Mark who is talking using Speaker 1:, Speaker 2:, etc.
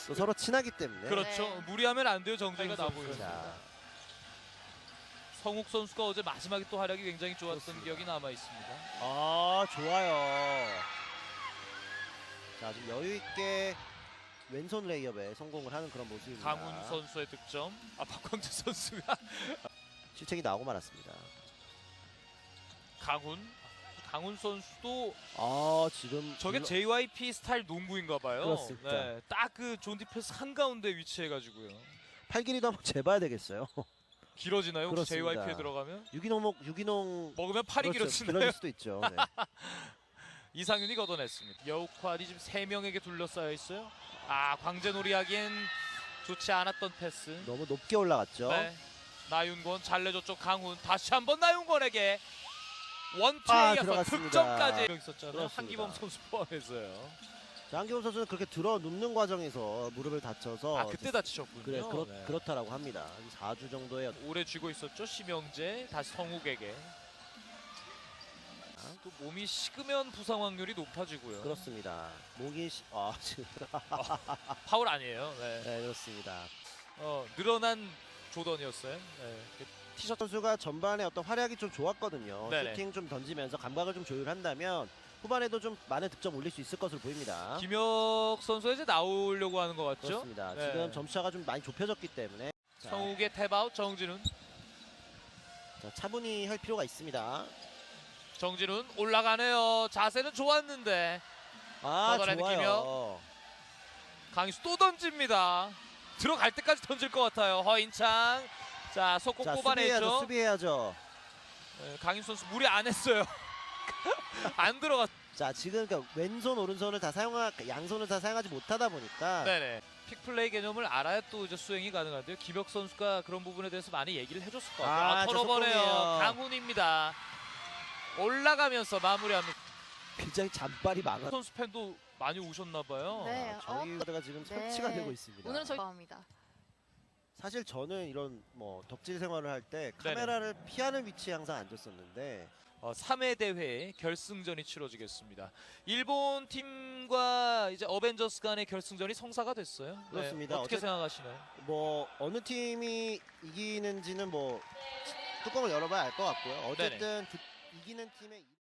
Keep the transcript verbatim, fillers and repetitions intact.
Speaker 1: 또 서로 친하기 때문에.
Speaker 2: 그렇죠.
Speaker 3: 네.
Speaker 2: 무리하면 안 돼요. 정재윤
Speaker 3: 차이가 나
Speaker 2: 선수.
Speaker 1: 자,
Speaker 2: 성욱 선수가 어제 마지막에 또 활약이 굉장히 좋았던
Speaker 1: 그렇습니다.
Speaker 2: 기억이 남아 있습니다.
Speaker 1: 아 좋아요. 자 지금 여유 있게 왼손 레이업에 성공을 하는 그런 모습입니다.
Speaker 2: 강훈 선수의 득점. 아 박광재 선수가
Speaker 1: 실책이 나오고 말았습니다.
Speaker 2: 강훈. 강훈 선수도
Speaker 1: 아 지금
Speaker 2: 저게
Speaker 1: 물론-
Speaker 2: 제이와이피 스타일 농구인가 봐요.
Speaker 1: 그렇습니다.
Speaker 2: 네, 딱 그 존 디펜스 한가운데 위치해 가지고요.
Speaker 1: 팔 길이도 한번 재봐야 되겠어요.
Speaker 2: 길어지나요? 혹시
Speaker 1: 그렇습니다.
Speaker 2: 제이와이피에 들어가면?
Speaker 1: 유기농 먹 유기농
Speaker 2: 먹으면 팔이
Speaker 1: 그렇죠.
Speaker 2: 길어지나요?
Speaker 1: 길어질 수도 있죠. 네.
Speaker 2: 이상윤이 걷어냈습니다. 여우퀄이 지금 세 명에게 둘러싸여 있어요. 아 광재놀이 하기엔 좋지 않았던 패스.
Speaker 1: 너무 높게 올라갔죠.
Speaker 2: 네. 나윤권 잘 내줬죠. 강훈 다시 한번 나윤권에게
Speaker 1: 아,
Speaker 2: 원투에이어서
Speaker 1: 들어갔습니다.
Speaker 2: 득점까지 있었잖아요.
Speaker 1: 그렇습니다.
Speaker 2: 한기범 선수 포함해서요.
Speaker 1: 자, 한기범 선수는 그렇게 들어 눕는 과정에서 무릎을 다쳐서
Speaker 2: 아 그때 다치셨군요.
Speaker 1: 그래 그렇,
Speaker 2: 네.
Speaker 1: 그렇다라고 합니다. 사 주 정도의
Speaker 2: 오래 쥐고 있었죠. 심영재 다시 성욱에게. 아, 또 몸이 식으면 부상 확률이 높아지고요.
Speaker 1: 그렇습니다. 목이 시... 아 지금
Speaker 2: 파울 아니에요. 네.
Speaker 1: 네 그렇습니다.
Speaker 2: 어, 늘어난 조던이었어요. 네. 티셔츠
Speaker 1: 선수가 전반에 어떤 활약이 좀 좋았거든요.
Speaker 2: 네네.
Speaker 1: 슈팅 좀 던지면서 감각을 좀 조율한다면 후반에도 좀 많은 득점 올릴 수 있을 것으로 보입니다.
Speaker 2: 김혁 선수가 이제 나오려고 하는 것 같죠?
Speaker 1: 그렇습니다.
Speaker 2: 네.
Speaker 1: 지금 점수차가 좀 많이 좁혀졌기 때문에 자,
Speaker 2: 성욱의 탭아웃 정진훈.
Speaker 1: 자, 차분히 할 필요가 있습니다.
Speaker 2: 정진훈 올라가네요. 자세는 좋았는데
Speaker 1: 아
Speaker 2: 걷어내는
Speaker 1: 좋아요.
Speaker 2: 강희수 또 던집니다. 들어갈 때까지 던질 것 같아요. 허인창. 자 속공
Speaker 1: 자
Speaker 2: 뽑아내죠.
Speaker 1: 수비해야죠. 수비해야죠.
Speaker 2: 네, 강희수 선수 무리 안 했어요. 안 들어갔.
Speaker 1: 자 지금 그러니까 왼손 오른손을 다 사용하 양손을 다 사용하지 못하다 보니까
Speaker 2: 네네. 픽플레이 개념을 알아야 또 이제 수행이 가능한데요. 김혁 선수가 그런 부분에 대해서 많이 얘기를 해줬을 것 같아요.
Speaker 1: 아,
Speaker 2: 아,
Speaker 1: 저
Speaker 2: 털어버려요.
Speaker 1: 속공이에요.
Speaker 2: 강훈입니다. 올라가면서 마무리합니다.
Speaker 1: 굉장히 잔발이 많아.
Speaker 2: 선수 팬도 많이 오셨나 봐요.
Speaker 3: 네.
Speaker 1: 저희 가가 지금 설치가
Speaker 3: 네.
Speaker 1: 되고 있습니다.
Speaker 3: 오늘은 저희 합니다.
Speaker 1: 사실 저는 이런 뭐 덕질 생활을 할 때 카메라를 피하는 위치에 항상 앉았었는데
Speaker 2: 어, 삼 회 대회 결승전이 치러지겠습니다. 일본 팀과 이제 어벤져스 간의 결승전이 성사가 됐어요. 네,
Speaker 1: 그렇습니다.
Speaker 2: 어떻게
Speaker 1: 어쨌-
Speaker 2: 생각하시나요?
Speaker 1: 뭐 어느 팀이 이기는지는 뭐 뚜껑을 열어봐야 알 것 같고요. 어쨌든 두- 이기는 팀의